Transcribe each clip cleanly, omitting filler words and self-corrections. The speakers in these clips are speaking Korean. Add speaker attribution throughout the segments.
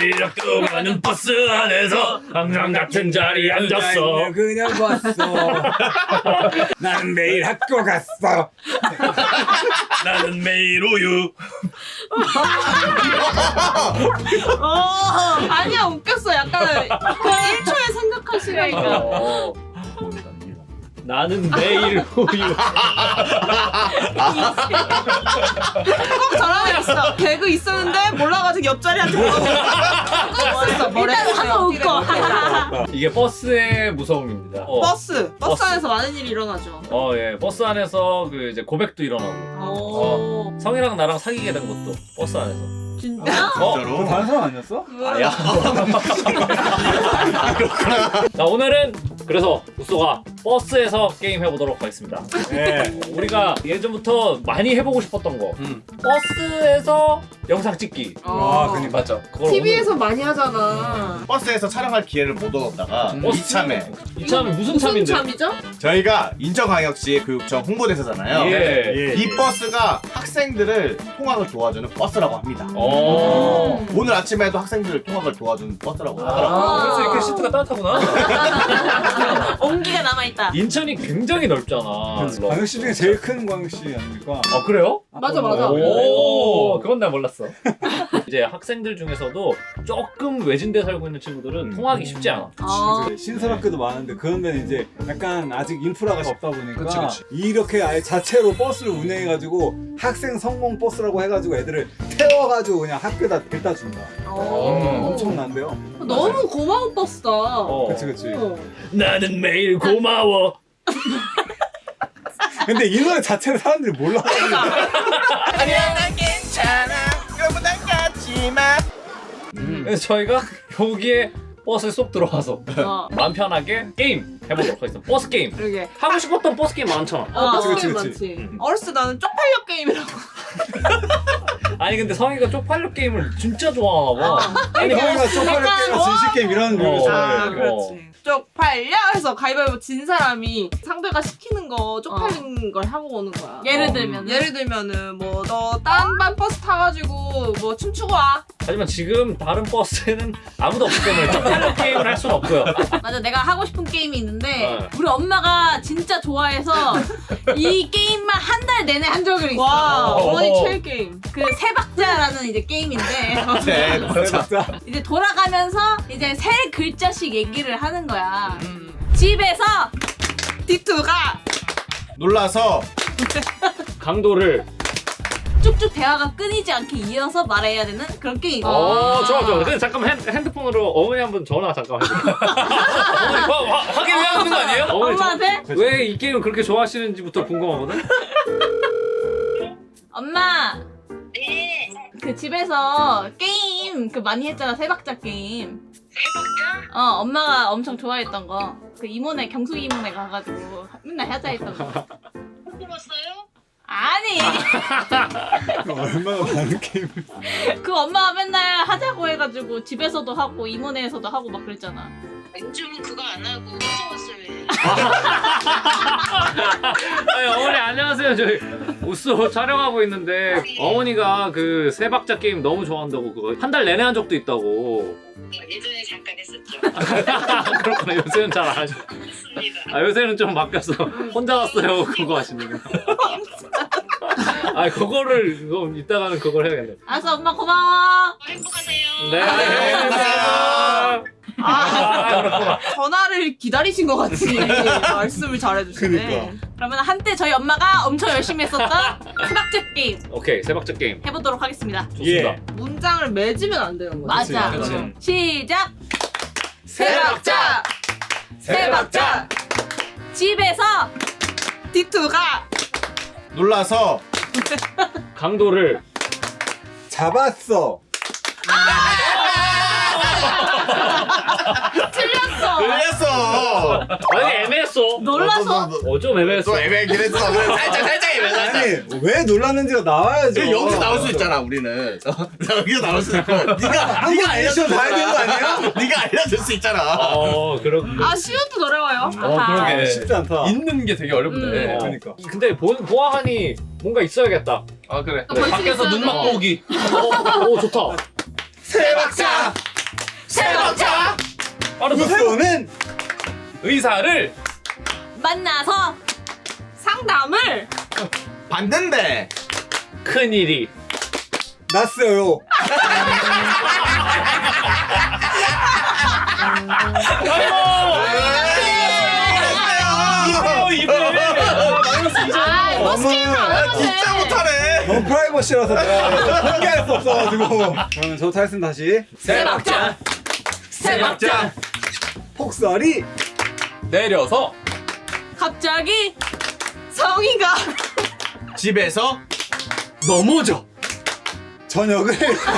Speaker 1: 매일 학교 가는 버스 안에서 항상 같은 자리에 앉았어.
Speaker 2: 그냥 봤어. 나는 매일 학교 갔어.
Speaker 1: 나는 매일 우유.
Speaker 3: 아니야 웃겼어. 약간 그 1초에 생각하시라니까.
Speaker 1: 나는 매일 우유.
Speaker 3: 꼭 저런 애 있어. 개그 있었는데 몰라가지고 옆자리한테 물어봤어. 일단 한번 웃고.
Speaker 1: 이게 버스의 무서움입니다.
Speaker 3: 버스
Speaker 1: 버스.
Speaker 3: 안에서 많은 일이 일어나죠.
Speaker 1: 예, 버스 안에서 그 이제 고백도 일어나고.
Speaker 3: 오.
Speaker 1: 성이랑 나랑 사귀게 된 것도 버스 안에서.
Speaker 3: 진짜?
Speaker 2: 너 다른 사람 아니었어?
Speaker 1: 아야. 자, 오늘은 그래서 우쏘가 버스에서 게임 해보도록 하겠습니다.
Speaker 2: 네.
Speaker 1: 우리가 예전부터 많이 해보고 싶었던 거. 버스에서 영상 찍기.
Speaker 2: 와, 그니까.
Speaker 4: 맞죠.
Speaker 1: 그걸
Speaker 3: TV에서 많이 하잖아.
Speaker 5: 버스에서 촬영할 기회를 못 얻었다가 이참에
Speaker 1: 이참에 무슨 참인데?
Speaker 3: 참이죠?
Speaker 5: 저희가 인천광역시 교육청 홍보대사잖아요.
Speaker 1: 예.
Speaker 5: 이 버스가 학생들을 통학을 도와주는 버스라고 합니다. 오늘 아침에도 학생들 통학을 도와주는 버스라고 하더라고요.
Speaker 1: 그래서 이렇게 시트가 따뜻하구나.
Speaker 3: 온기가 남아있다.
Speaker 1: 인천이 굉장히 넓잖아.
Speaker 2: 광역시 중에 제일 큰 광역시 아닙니까?
Speaker 1: 아, 그래요?
Speaker 3: 맞아.
Speaker 1: 오, 그건 나 몰랐어. 이제 학생들 중에서도 조금 외진데 살고 있는 친구들은 통학이 쉽지 않아.
Speaker 2: 신설학교도 많은데 그런 데는 이제 약간 아직 인프라가 없다 보니까
Speaker 4: 그치.
Speaker 2: 이렇게 아예 자체로 버스를 운행해가지고 학생 성공 버스라고 해가지고 애들을 태워가지고 그냥 학교에다 데려다 준다. 엄청난데요?
Speaker 3: 너무 고마운 버스다.
Speaker 2: 그치.
Speaker 1: 나는 매일 고마워.
Speaker 2: 근데 이 노래 자체를 사람들이 몰라.
Speaker 5: 아니야 난 괜찮아 여러분 난 가지마.
Speaker 1: 그래서 저희가 여기에 버스에 쏙 들어와서
Speaker 3: 어.
Speaker 1: 마음 편하게 게임 해보도록 하겠습니다. 버스 게임.
Speaker 3: 그러게.
Speaker 1: 하고 싶었던 버스 게임 많잖아.
Speaker 2: 그치.
Speaker 3: 많지. 어렸을 때 나는 쪽팔려 게임이라고.
Speaker 1: 아니 근데 성희가 쪽팔려 게임을 진짜 좋아하나 봐.
Speaker 2: 아니 거기가 쪽팔려 게임이나 진실 게임 이런 류를 좋아해.
Speaker 3: 그렇지. 쪽팔려 해서 가위바위보 진 사람이 상대가 시키는 거 쪽팔린 걸 하고 오는 거야.
Speaker 6: 예를 들면은
Speaker 3: 뭐 너 딴 반 버스 타가지고 뭐 춤추고 와.
Speaker 1: 하지만 지금 다른 버스에는 아무도 없기 때문에 쪽팔려 게임을 할 수는 없고요.
Speaker 6: 맞아, 내가 하고 싶은 게임이 있는데
Speaker 1: 네.
Speaker 6: 우리 엄마가 진짜 좋아해서 이 게임만 한 달 내내 한 적이 있어.
Speaker 3: 와 어머니 최애 게임.
Speaker 6: 그 세 박자라는 이제 게임인데
Speaker 5: 네,
Speaker 2: 진짜.
Speaker 6: 이제 돌아가면서 이제 세 글자씩 얘기를 하는 거야. 집에서
Speaker 3: D2가
Speaker 5: 놀라서
Speaker 1: 강도를.
Speaker 6: 쭉쭉 대화가 끊이지 않게 이어서 말해야 되는 그런 게임.
Speaker 1: 좋아. 근데 잠깐만 핸드폰으로 어머니 한번 전화 잠깐 해볼게요. 어머니 확인해야 하는 거 아니에요? 어머니
Speaker 6: 엄마한테?
Speaker 1: 왜 이 게임을 그렇게 좋아하시는지부터 궁금하거든?
Speaker 6: 엄마. 그 집에서 게임 그 많이 했잖아, 세 박자 게임. 세 박자? 엄마가 엄청 좋아했던 거. 그 이모네, 경숙 이모네 가가지고 맨날 하자 했던 거.
Speaker 7: 물어봤어요?
Speaker 6: 아니.
Speaker 2: 얼마나 많은 게임을.
Speaker 6: 그 엄마가 맨날 하자고 해가지고 집에서도 하고 이모네에서도 하고 막 그랬잖아.
Speaker 7: 요즘은 그거 안 하고 혼자
Speaker 1: 아니, 어머니 안녕하세요. 저희 우쏘 촬영하고 있는데 어머니가 그 세 박자 게임 너무 좋아한다고 그거 한 달 내내 한 적도 있다고.
Speaker 7: 예전에 잠깐 했었죠.
Speaker 1: 그렇구나. 요새는 잘 안 하죠.
Speaker 7: 맞습니다.
Speaker 1: 요새는 좀 바뀌었어. 혼자 왔어요. 그거 하시는 거. 그거를 이따가는 그걸 해야겠네.
Speaker 6: 알았어, 엄마 고마워.
Speaker 7: 행복하세요.
Speaker 1: 네. 안녕하세요.
Speaker 3: 그렇구나. 전화를 기다리신 것 같이 말씀을 잘해주시네.
Speaker 2: 그러니까.
Speaker 6: 그러면 한때 저희 엄마가 엄청 열심히 했었던 세 박자 게임
Speaker 1: 오케이, 세 박자 게임
Speaker 6: 해보도록 하겠습니다.
Speaker 1: 좋습니다.
Speaker 3: 문장을 맺으면 안 되는 거지.
Speaker 6: 맞아.
Speaker 1: 그치.
Speaker 6: 시작.
Speaker 3: 세 박자.
Speaker 6: 세 박자. 집에서
Speaker 3: D2가
Speaker 5: 놀라서
Speaker 1: 강도를
Speaker 2: 잡았어.
Speaker 5: 놀랬어.
Speaker 1: 아니 애매했어.
Speaker 6: 놀라서
Speaker 1: 좀 애매했어.
Speaker 5: 또 애매하긴 했어. 살짝 애매했어.
Speaker 2: 아니 왜 놀랐는지가 나와야죠.
Speaker 5: 여기서 나올 수 있잖아 우리는. 여기서 나올 수 있고. 네가
Speaker 2: 리액션 봐야 되는 거 아니에요?
Speaker 5: 네가 알려줄 수 있잖아.
Speaker 1: 그렇군.
Speaker 3: 시옷도 어려워요.
Speaker 4: 그러게.
Speaker 2: 쉽지 않다.
Speaker 4: 있는 게 되게 어렵네.
Speaker 2: 그러니까.
Speaker 1: 근데 보아하니 뭔가 있어야겠다.
Speaker 4: 아 그래.
Speaker 6: 벌칙
Speaker 4: 밖에서
Speaker 6: 있어야
Speaker 4: 눈
Speaker 6: 돼.
Speaker 4: 맞고 오기.
Speaker 1: 오 좋다.
Speaker 5: 세 박자.
Speaker 6: 세박자
Speaker 4: 바로
Speaker 2: 우소는
Speaker 4: 의사를
Speaker 6: 만나서
Speaker 3: 상담을
Speaker 5: 봤는데
Speaker 1: 큰일이
Speaker 2: 났어요.
Speaker 6: 아 이거 스킬을 안 하면
Speaker 5: 진짜 못하네.
Speaker 2: 너무 프라이버시라서 내가 공개할 수 없어가지고. 그러면 저부터 하겠습니다. 다시.
Speaker 6: 세박자
Speaker 4: 세박자
Speaker 2: 폭설이
Speaker 4: 내려서
Speaker 6: 갑자기 성희가
Speaker 5: 집에서
Speaker 1: 넘어져.
Speaker 2: 저녁을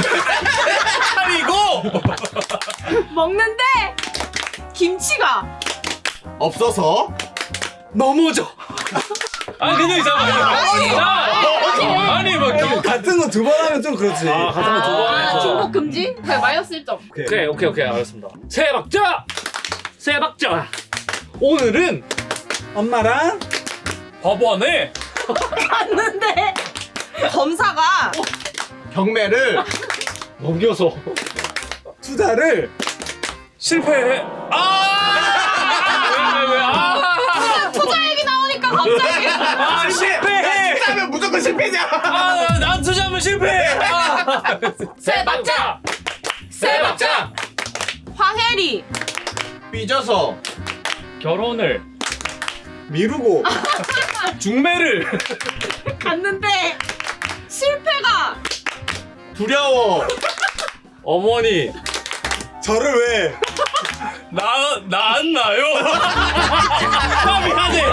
Speaker 4: 차리고
Speaker 6: 먹는데
Speaker 3: 김치가
Speaker 5: 없어서
Speaker 1: 넘어져.
Speaker 4: 아니 근데 잠깐만 아니 뭐
Speaker 2: 같은 거 두 번 하면 좀 그렇지.
Speaker 1: 아, 같은 거 두 번 해서.
Speaker 6: 중복 금지?
Speaker 3: 네, 마이너스 1점.
Speaker 1: 오케이 알겠습니다. 세박자. 오늘은
Speaker 2: 엄마랑
Speaker 4: 법원에
Speaker 6: 갔는데
Speaker 3: 검사가
Speaker 5: 경매를
Speaker 1: 넘겨서
Speaker 2: 투자를
Speaker 4: 실패해.
Speaker 6: 투자 얘기 나오니까 갑자기
Speaker 4: 실패해.
Speaker 5: 짜면 무조건 실패냐?
Speaker 4: 난 투자하면 실패해.
Speaker 6: 세박자
Speaker 3: 화해리
Speaker 5: 삐져서
Speaker 1: 결혼을
Speaker 2: 미루고
Speaker 4: 중매를
Speaker 6: 갔는데
Speaker 3: 실패가
Speaker 5: 두려워.
Speaker 1: 어머니
Speaker 2: 저를 왜
Speaker 4: 나았나요? 미안해.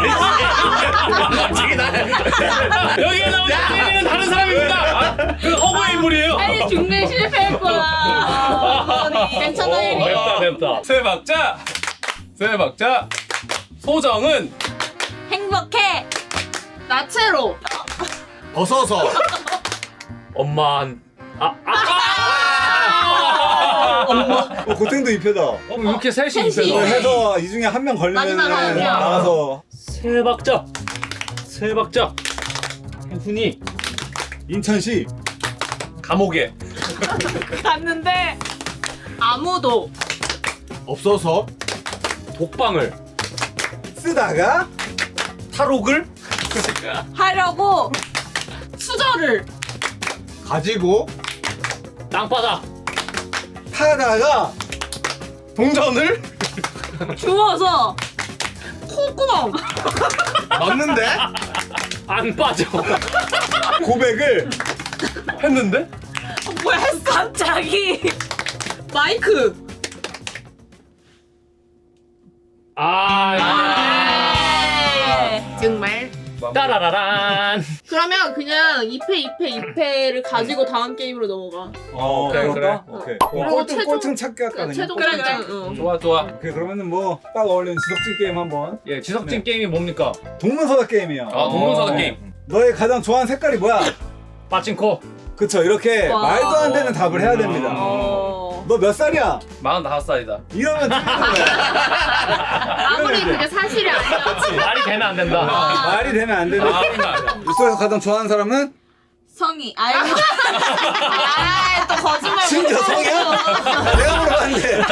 Speaker 4: 여기에 나오는 는 다른 사람입니다. 그 허구의 인물이에요.
Speaker 6: 아니 중매 실패했구나 괜찮아 혜리
Speaker 1: 맵다.
Speaker 4: 세박자 소정은
Speaker 6: 행복해
Speaker 3: 나체로
Speaker 5: 벗어서
Speaker 1: 엄만
Speaker 2: 고탱도 입혀다.
Speaker 1: 왜 이렇게 셋이
Speaker 6: 셋이.
Speaker 2: 이걸
Speaker 1: 입혀서
Speaker 2: 해서 이 중에 한 명 걸리면
Speaker 6: 마지막 한 명.
Speaker 2: 나가서
Speaker 1: 세박자 훈이
Speaker 2: 인천시
Speaker 4: 감옥에
Speaker 3: 갔는데 아무도
Speaker 5: 없어서
Speaker 1: 독방을
Speaker 2: 쓰다가
Speaker 1: 탈옥을
Speaker 3: 하려고 수저를
Speaker 5: 가지고
Speaker 1: 땅바닥
Speaker 2: 타다가
Speaker 5: 동전을
Speaker 3: 주워서 콧구멍
Speaker 5: 넣는데
Speaker 1: 안 빠져.
Speaker 2: 고백을
Speaker 4: 했는데
Speaker 3: 뭐야 했어 갑자기 마이크 정말
Speaker 1: 따라라란.
Speaker 3: 그러면 그냥 2패를 가지고 다음 게임으로 넘어가
Speaker 1: 오케이,
Speaker 2: 그럴까?
Speaker 1: 그래.
Speaker 2: 오케이.
Speaker 3: 그리고
Speaker 2: 꼴등
Speaker 3: 최종-
Speaker 2: 꼴등 찾기 할까 그냥.
Speaker 3: 최종
Speaker 6: 그래,
Speaker 3: 결정
Speaker 6: 그래.
Speaker 3: 응.
Speaker 4: 좋아.
Speaker 2: 오케이 그러면은 뭐 딱 어울리는 지석진 게임 한번.
Speaker 1: 예, 지석진
Speaker 2: 네.
Speaker 1: 게임이 뭡니까?
Speaker 2: 동문서답 게임이야.
Speaker 4: 동문서답 게임.
Speaker 2: 너의 가장 좋아하는 색깔이 뭐야?
Speaker 1: 빠친코.
Speaker 2: 그쵸 이렇게
Speaker 3: 와.
Speaker 2: 말도 안 되는 답을 해야 됩니다.
Speaker 3: 어...
Speaker 2: 너 몇 살이야?
Speaker 4: 45살이다.
Speaker 2: 이러면 틀리는 거야.
Speaker 3: 아무리
Speaker 2: 이러면
Speaker 3: 그게 사실이 아니야
Speaker 1: 말이 되면 안 된다.
Speaker 2: 말이 되면 안 되는. 뉴스에서 가장 좋아하는 사람은
Speaker 6: 성희 아이고
Speaker 3: 아또 거짓말
Speaker 2: 진짜 성이야? 내가 물어봤는데.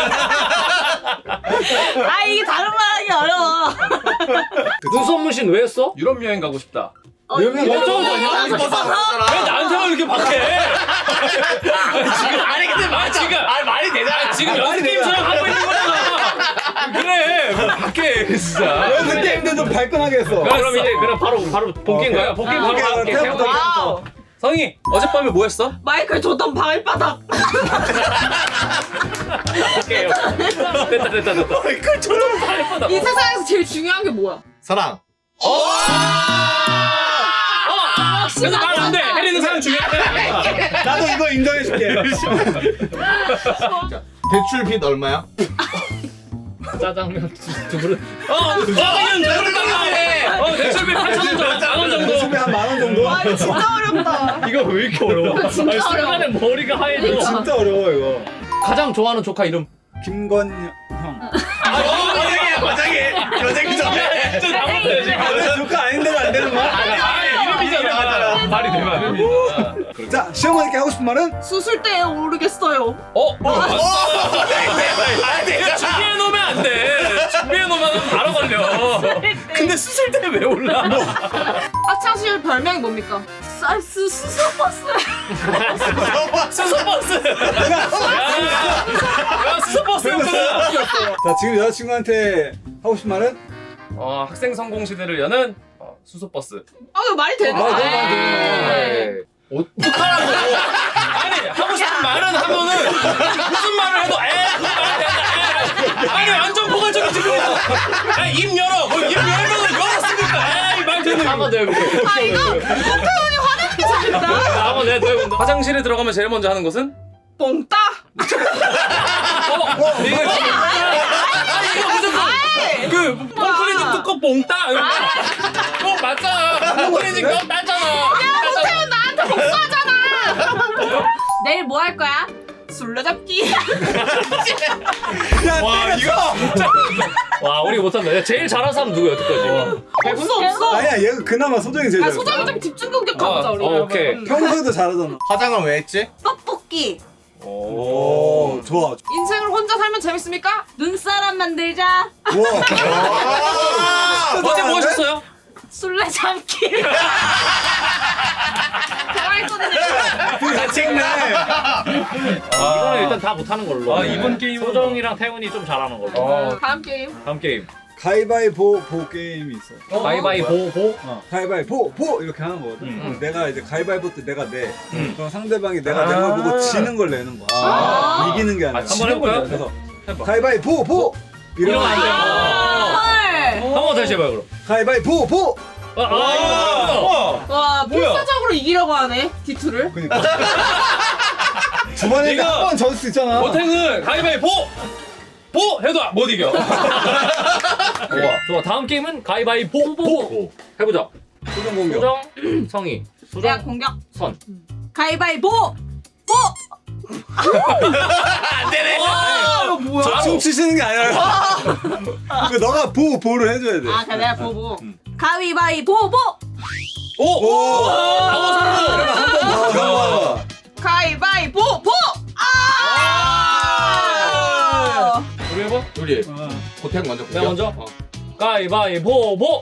Speaker 6: 아 이게 다른 말하기 어려워
Speaker 1: 눈썹문신 왜 했어?
Speaker 4: 유럽 여행 가고 싶다.
Speaker 2: 유명
Speaker 1: 어쩌고 저쩌고.
Speaker 4: 왜 나한테만 이렇게 박해? 지금 지금 말이 되잖아. 지금
Speaker 2: 말이
Speaker 4: 연습 게임처럼 하고 있는 거잖아. 그래 왜 박해 진짜.
Speaker 2: 연습 게임도 좀 발끈하게 했어.
Speaker 1: 그럼 이제 바로 본게임가요? 본게임 바로 할게.
Speaker 2: 태워부터
Speaker 3: 와우
Speaker 4: 성희 어젯밤에 뭐 했어?
Speaker 3: 마이클 조던 발바닥
Speaker 1: 오케이. 됐다.
Speaker 4: 마이클 조던 발바닥.
Speaker 3: 이 세상에서 제일 중요한 게 뭐야
Speaker 5: 사랑.
Speaker 1: 근데 말 안 돼. 혜리는 사람 중요해.
Speaker 2: 나도 이거 인정해줄게.
Speaker 5: 대출 빚 얼마야?
Speaker 1: 짜장면 두 그릇.
Speaker 4: 짜장면 저렇게 대출비 8,000원 정도.
Speaker 2: 수비 한 10,000원 정도?
Speaker 3: 아 이거 진짜 어렵다
Speaker 1: 이거 왜 이렇게 어려워?
Speaker 3: 진짜 어려워.
Speaker 1: 순간에 머리가 하얘져.
Speaker 2: 진짜 어려워 이거.
Speaker 1: 가장 좋아하는 조카 이름.
Speaker 2: 김건형.
Speaker 5: 여자기 전에.
Speaker 4: 진짜 나쁜데 지금.
Speaker 2: 아, 조카 아닌데도 안 되는 거야?
Speaker 4: 이름이잖아. 말이 되면 안 됩니다. 그래.
Speaker 2: 자 시어머니께 하고 싶은 말은?
Speaker 3: 수술대에 오르겠어요.
Speaker 4: 내가 준비해 놓으면 안 돼. 준비해 놓으면 바로 걸려. 근데 수술 때 왜 올라?
Speaker 3: 학창시절 별명이 뭡니까? 쌀스 수소버스.
Speaker 4: 수소버스. 야, 수소버스였구나.
Speaker 2: 자 지금 여자친구한테 하고 싶은 말은?
Speaker 4: 학생 성공 시대를 여는 수소버스.
Speaker 3: 아 이거 말이 되나?
Speaker 2: 아, 네.
Speaker 4: 어떡하라고. 아니 하고 싶은 말은 하면은 무슨 말을 해도 그거 말이 된다. 아니 완전 포괄적이지 그거. 입 열어. 입 열면은 열었으니까. 말 되는.
Speaker 1: 한번 더 해볼게.
Speaker 3: 아 이거 홍태훈이 화내는 게 재밌다.
Speaker 1: 한번 내가 더 해본다.
Speaker 4: 화장실에 들어가면 제일 먼저 하는 것은?
Speaker 3: 뽕따.
Speaker 4: 이거 무조건 그 뽕클리징 뚜껑 뽕따. 맞잖아. 뽕클리징 너 따잖아.
Speaker 3: 홍태훈 나한테 복수하잖아.
Speaker 6: 내일 뭐 할 거야?
Speaker 3: 술래잡기.
Speaker 2: 야
Speaker 4: 와 이거
Speaker 1: 와 우리 못한다. 야, 제일 잘하는 사람 누구야 여태까지?
Speaker 3: 없어.
Speaker 2: 아니야 얘가 그나마 소정이 제일
Speaker 3: 아
Speaker 2: 잘해.
Speaker 3: 소장이 좀 집중 공격해보자 우리.
Speaker 1: 오케이.
Speaker 2: 평소에도 잘하잖아.
Speaker 5: 화장은 왜 했지?
Speaker 6: 떡볶이.
Speaker 2: 오 좋아.
Speaker 3: 인생을 혼자 살면 재밌습니까?
Speaker 6: 눈사람 만들자.
Speaker 2: 와.
Speaker 4: 어제 뭐 하셨어요?
Speaker 6: 술래잡기.
Speaker 2: 다 찍네.
Speaker 1: 이거는 일단 다 못하는 걸로.
Speaker 4: 이번 게임은
Speaker 1: 소정이랑 태훈이 좀 잘하는 걸로.
Speaker 3: 다음 게임.
Speaker 1: 다음 게임.
Speaker 2: 가위바위보 보 게임이 있어.
Speaker 1: 가위바위보 보.
Speaker 2: 가위바위보 보 이렇게 하는 거거든. 그럼 내가 이제 가위바위보 때 내가 내. 그럼 상대방이 내가
Speaker 4: 아.
Speaker 2: 낸 걸 보고 지는 걸 내는 거야. 이기는 게 아니라.
Speaker 1: 한번 해볼까요?
Speaker 2: 그래서
Speaker 4: 해봐.
Speaker 2: 가위바위보 보.
Speaker 1: 이러면 안 돼.
Speaker 6: 헐.
Speaker 1: 한번 다시 해봐요 그럼.
Speaker 2: 가위바위보 보.
Speaker 3: 와 필사적으로 이기려고 하네 D2를.
Speaker 2: 그니까. 두 번에
Speaker 4: 이거-
Speaker 2: 한번 져줄 수 있잖아.
Speaker 4: 보탱은 가위바위보 보 해도 못 이겨.
Speaker 1: 좋아. 다음 게임은 가위바위보 보. 해보자.
Speaker 2: 소정 공격.
Speaker 1: 소정, 성희.
Speaker 6: 내가
Speaker 1: 소정,
Speaker 6: 공격.
Speaker 1: 선.
Speaker 6: 가위바위보. 보.
Speaker 4: 안 되네.
Speaker 3: 이거 뭐야?
Speaker 2: 춤추시는 게 아니라. 그 너가 보를 해줘야 돼.
Speaker 6: 아, 그래 내가 보고. 가위바위보. 보.
Speaker 2: 오.
Speaker 4: 방어
Speaker 2: 아,
Speaker 3: 가위바위보 보.
Speaker 1: 우리 해봐.
Speaker 4: 우리
Speaker 5: 고택 먼저.
Speaker 1: 내가 먼저. 가위바위보 보.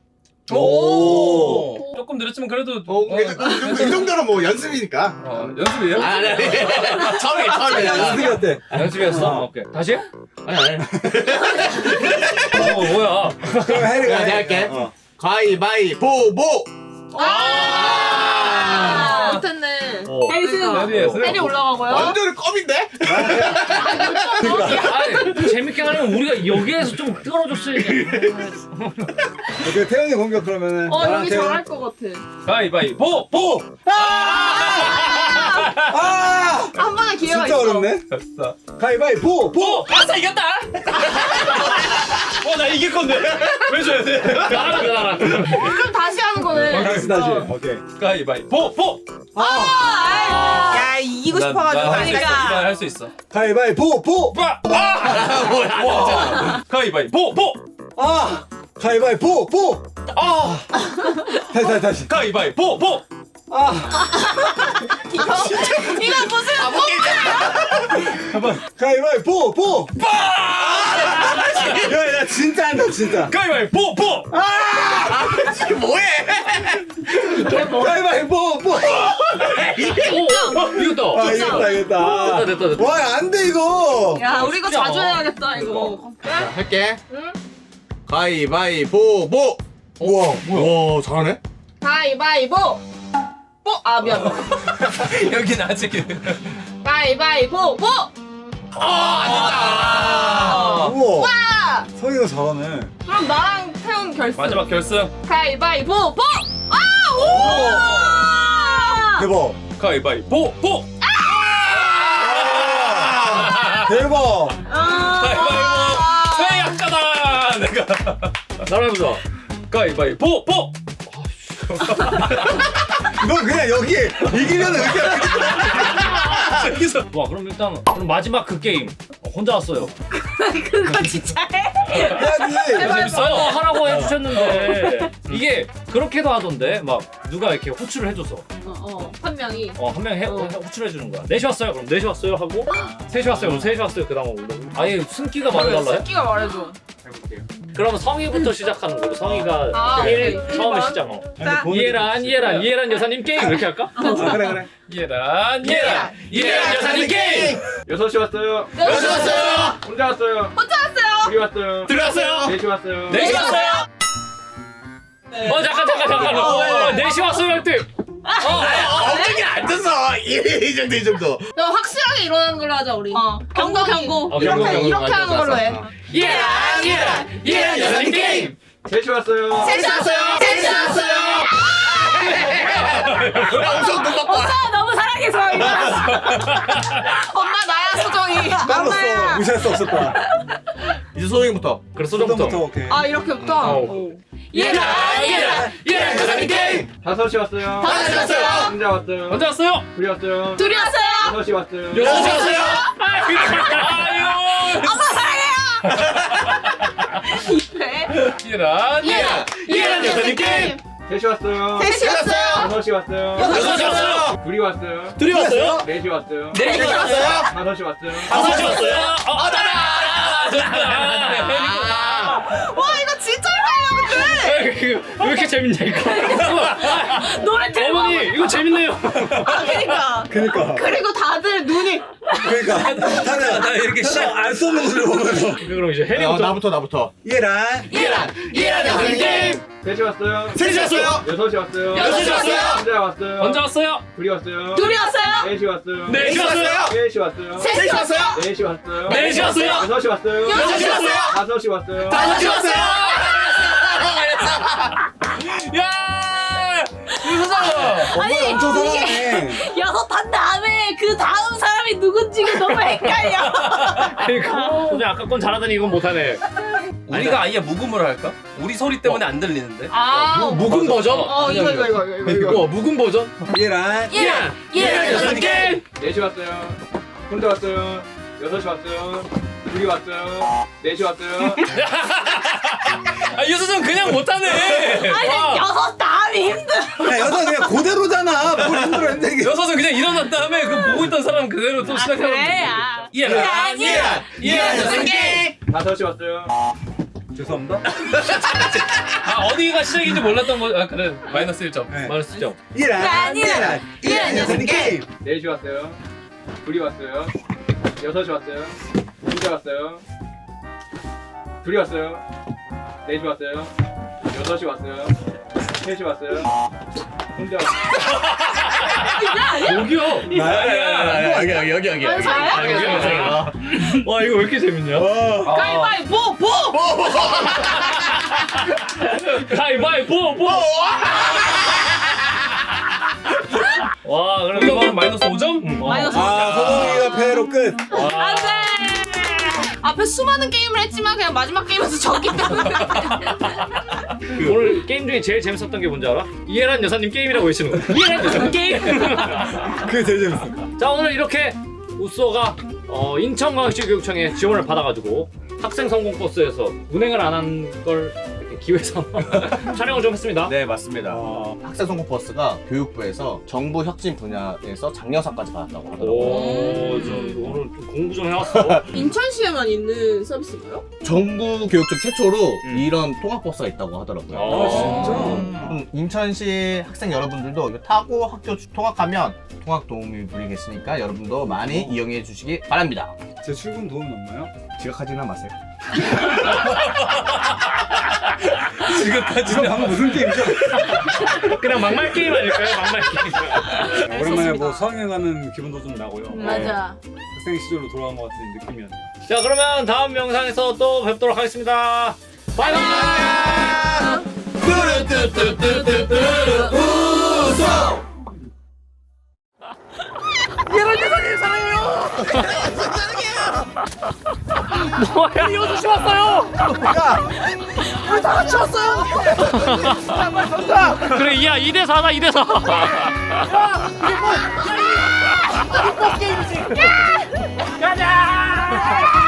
Speaker 2: 오.
Speaker 4: 조금 느렸지만 그래도
Speaker 5: 이 정도는 뭐 연습이니까.
Speaker 4: 연습이에요?
Speaker 5: 아니. 처음에
Speaker 2: 연습이 어때?
Speaker 1: 연습이었어? 오케이. 다시 해?
Speaker 5: 아니.
Speaker 1: 뭐야.
Speaker 2: 그럼 해리가
Speaker 5: 내가 할게. 가위바위보 보.
Speaker 3: 못했네.
Speaker 6: 헬스.
Speaker 3: 헬이 올라가고요.
Speaker 5: 완전 껌인데?
Speaker 1: 아니, 재밌게 하려면 우리가 여기에서 좀 떨어졌어야지.
Speaker 2: 오케이 태연이 공격 그러면은. 나랑
Speaker 3: 여기
Speaker 2: 태연.
Speaker 3: 잘할 것 같아.
Speaker 4: 가위바위보 보.
Speaker 2: 아!
Speaker 3: 한 번에 기회가
Speaker 2: 진짜
Speaker 3: 있어.
Speaker 2: 어렵네. 가위바위보 보.
Speaker 4: 아싸 이겼다. 나 이길 건데 왜 줘야 돼?
Speaker 1: 나라.
Speaker 3: 그럼 다시 하는 거네.
Speaker 2: 다시. 오케이.
Speaker 4: 가위바위보 보.
Speaker 3: 야 이기고 싶어가지고 하니까.
Speaker 4: 할수 있어.
Speaker 2: 가위바위보 보.
Speaker 4: 뭐야? 가위바위보 보.
Speaker 2: 아! 가위바위보 보. 다시.
Speaker 4: 가위바위보 보.
Speaker 3: 이거 무슨
Speaker 2: 가위바위보 보. 야 진짜 한다 진짜.
Speaker 4: 가위바위보 보.
Speaker 2: 가위바위보 보.
Speaker 1: 이겼다.
Speaker 2: 이겼다.
Speaker 1: 됐다.
Speaker 2: 와 안 돼 이거.
Speaker 3: 야 우리 이거 자주 해야겠다 이거.
Speaker 5: 할게. 가위바위보 보.
Speaker 2: 우와.
Speaker 5: 와 잘하네.
Speaker 3: 가위바위보. 아 미안.
Speaker 4: 여긴 아직.
Speaker 3: 가위바위보 보.
Speaker 2: 우와. 성희가 잘하네.
Speaker 3: 그럼 나랑 태훈 결승.
Speaker 4: 마지막 결승.
Speaker 3: 가위바위보 보.
Speaker 2: 대박.
Speaker 4: 가위바위보 보.
Speaker 2: 대박.
Speaker 4: 가위바위보 최약자다 내가.
Speaker 1: 나라 해보자.
Speaker 4: 가위바위보 보.
Speaker 2: 너 그냥 여기에 이기면 이렇게.
Speaker 4: 여기서
Speaker 1: 좋아. 그럼 일단 그럼 마지막 그 게임. 혼자 왔어요.
Speaker 6: 그거 진짜 해?
Speaker 2: 해야지.
Speaker 1: 하라고 해주셨는데 이게 그렇게도 하던데 막 누가 이렇게 호출을 해줘서
Speaker 3: 한 명이.
Speaker 1: 한 명이 호출해 주는 거야. 4시 왔어요. 그럼 4시 왔어요 하고 3시 왔어요. 그럼 3시 왔어요. 그 다음 올라오고. 아예 숨기가 말해달라 해?
Speaker 3: 끼가 말해줘.
Speaker 2: 해볼게요.
Speaker 1: 그러면 성희부터 시작하는 거고 성희가
Speaker 3: 아,
Speaker 1: 처음에
Speaker 3: 일
Speaker 1: 시작.
Speaker 3: 자,
Speaker 1: 이해란 여사님 게임 이렇게 할까?
Speaker 2: 그래.
Speaker 1: 이해란 여사님 게임.
Speaker 4: 6시 왔어요.
Speaker 1: 6시 왔어요.
Speaker 4: 혼자 왔어요. 둘이 왔어요.
Speaker 1: 들어왔어요.
Speaker 4: 4시 왔어요.
Speaker 1: 4시 왔어요. 잠깐. 4시 왔어요 할 때.
Speaker 5: 엉덩이 앉아서 이 정도.
Speaker 3: 너 확실하게 일어나는 걸로 하자 우리.
Speaker 6: 경고.
Speaker 3: 이렇게 하는 걸로 해.
Speaker 1: 이해란 여사님 게임.
Speaker 4: 3시 왔어요.
Speaker 5: 엄청 금방 봐.
Speaker 6: 너무 사랑해서 일어났어.
Speaker 3: 엄마 나야 소정이.
Speaker 2: 빨랐어. 무시할 수 없을 거야.
Speaker 5: 이제 소정이부터.
Speaker 1: 그래 소정부터.
Speaker 2: 오케이.
Speaker 3: 아 이렇게부터.
Speaker 1: 이해란 여사님 게임.
Speaker 4: 5시 왔어요.
Speaker 6: 5시 왔어요.
Speaker 4: 혼자 왔어요.
Speaker 1: 언제 왔어요?
Speaker 4: 둘이 왔어요.
Speaker 6: 둘이 왔어요.
Speaker 4: 6시 왔어요.
Speaker 1: 6시 왔어요. 아유. 이해란 여사님 게임.
Speaker 4: 3시 왔어요.
Speaker 3: 3시 왔어요.
Speaker 4: 6시 왔어요.
Speaker 1: 6시 왔어요.
Speaker 4: 둘이 왔어요.
Speaker 1: 둘이 왔어요?
Speaker 4: 4시 왔어요.
Speaker 1: 4시 왔어요.
Speaker 4: 5시 왔어요.
Speaker 1: 5시 왔어요.
Speaker 3: 와 이거 진짜 헷갈려 근데.
Speaker 1: 왜 이렇게 재밌냐 이거.
Speaker 6: 노래 들어.
Speaker 1: 어머니 이거 재밌네요.
Speaker 3: 그러니까. 그리고 다들 눈이.
Speaker 2: 다들
Speaker 1: 나 이렇게
Speaker 2: 안 쏘는 것을 보면서.
Speaker 1: 그럼 이제 해리부터.
Speaker 5: 나부터.
Speaker 2: 이해란
Speaker 1: 여사님 게임.
Speaker 4: 3시 왔어요.
Speaker 1: 3시 왔어요.
Speaker 4: 6시 왔어요.
Speaker 1: 6시 왔어요.
Speaker 4: 혼자 왔어요.
Speaker 1: 언제 왔어요?
Speaker 4: 둘이 왔어요.
Speaker 6: 둘이 왔어요.
Speaker 4: 4시 왔어요.
Speaker 1: 4시 왔어요.
Speaker 4: 3시 왔어요.
Speaker 6: 3시 왔어요.
Speaker 4: 4시 왔어요.
Speaker 1: 4시 왔어요.
Speaker 4: 6시 왔어요.
Speaker 6: 6시 왔어요.
Speaker 4: 5시 왔어요.
Speaker 1: 5시 왔어요. 야!
Speaker 2: 엄마 엄청 사랑해.
Speaker 6: 6탄 다음에 그 다음 사람이 누군지가 너무 헷갈려.
Speaker 1: 그러니까 그냥 아까 건 잘하더니 이건 못하네.
Speaker 4: 우리가 아예 묵음을 할까? 우리 소리 때문에 안 들리는데.
Speaker 1: 묵은 버전?
Speaker 3: 이거.
Speaker 1: 묵은 버전?
Speaker 2: 이해란
Speaker 1: 여사님 게임.
Speaker 4: 4시 왔어요. 혼자 왔어요. 6시 왔어요. 둘이 왔어요. 4시 왔어요.
Speaker 1: 유수정 그냥 못하네.
Speaker 6: 아니 6 다음이 힘들어.
Speaker 2: 야 여자 그냥 그대로잖아. 뭘 힘들어 힘들게.
Speaker 1: 여섯은 그냥 일어난 다음에 그 보고 있던 사람 그대로 또 시작하면
Speaker 6: 그래.
Speaker 1: 이해란 여사님 게임.
Speaker 4: 5시 왔어요.
Speaker 2: 죄송합니다.
Speaker 1: 어디가 시작인지 몰랐던 거. 그래 마이너스 1점.
Speaker 2: 네.
Speaker 1: 마이너스 1점.
Speaker 2: 이해란 여사님 게임.
Speaker 4: 4시 왔어요. 둘이 왔어요. 6시 왔어요. 혼자 왔어요. 둘이 왔어요. 4시 왔어요. 6시 왔어요. 3시 왔어요. 혼자 왔어요.
Speaker 1: 여기요.
Speaker 5: 여기.
Speaker 1: 와 이거 왜 이렇게 재밌냐?
Speaker 3: 가위바위보 보.
Speaker 1: 가위바위보. 와 그럼 이거 마이너스 5점?
Speaker 3: 마이너스
Speaker 2: 서동이가 패로 끝.
Speaker 3: 안돼. 앞에 수많은 게임을 했지만 그냥 마지막 게임에서 졌기 때문에.
Speaker 1: 오늘 게임 중에 제일 재밌었던 게 뭔지 알아? 이해란 여사님 게임이라고 외치는 거. 이해란 여사님 게임.
Speaker 2: 그게 제일 재밌어.
Speaker 1: 자 오늘 이렇게 우쏘가 인천광역시교육청에 지원을 받아가지고 학생 성공 버스에서 운행을 안 한 걸 기회 삼아 촬영을 좀 했습니다.
Speaker 5: 네 맞습니다. 학생 성공 버스가 교육부에서 정부 혁신 분야에서 장려상까지 받았다고 하더라고요.
Speaker 1: 저 오늘 좀 공부 좀 해왔어.
Speaker 3: 인천시에만 있는 서비스인가요?
Speaker 5: 정부 교육청 최초로 이런 통학 버스가 있다고 하더라고요.
Speaker 2: 진짜?
Speaker 5: 인천시 학생 여러분들도 이거 타고 학교 통학하면 통학 도움이 분리겠으니까 여러분도 많이 이용해 주시기 바랍니다.
Speaker 2: 제 출근 도움 없나요?
Speaker 5: 지각하지는 마세요.
Speaker 2: 지금 방금 무슨 게임이죠?
Speaker 1: 그냥 막말 게임 아닐까요? 막말 게임.
Speaker 2: 오랜만에 뭐 수학여행 가는 기분도 좀 나고요.
Speaker 6: 맞아.
Speaker 2: 학생 시절로 돌아간 것 같은 느낌이었네요.
Speaker 1: 자 그러면 다음 영상에서 또 뵙도록 하겠습니다. 바이바이. 뭐야? 6시 왔어요. 우리 다 같이 왔어요. 그래 이야 2대4다 2대4. 이게 뭐 게임이지. 가자.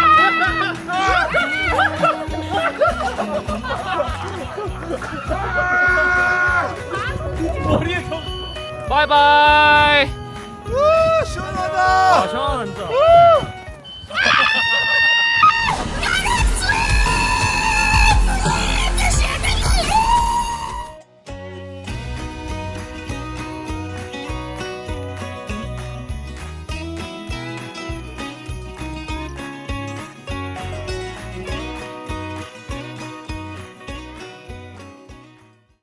Speaker 1: 바이바이.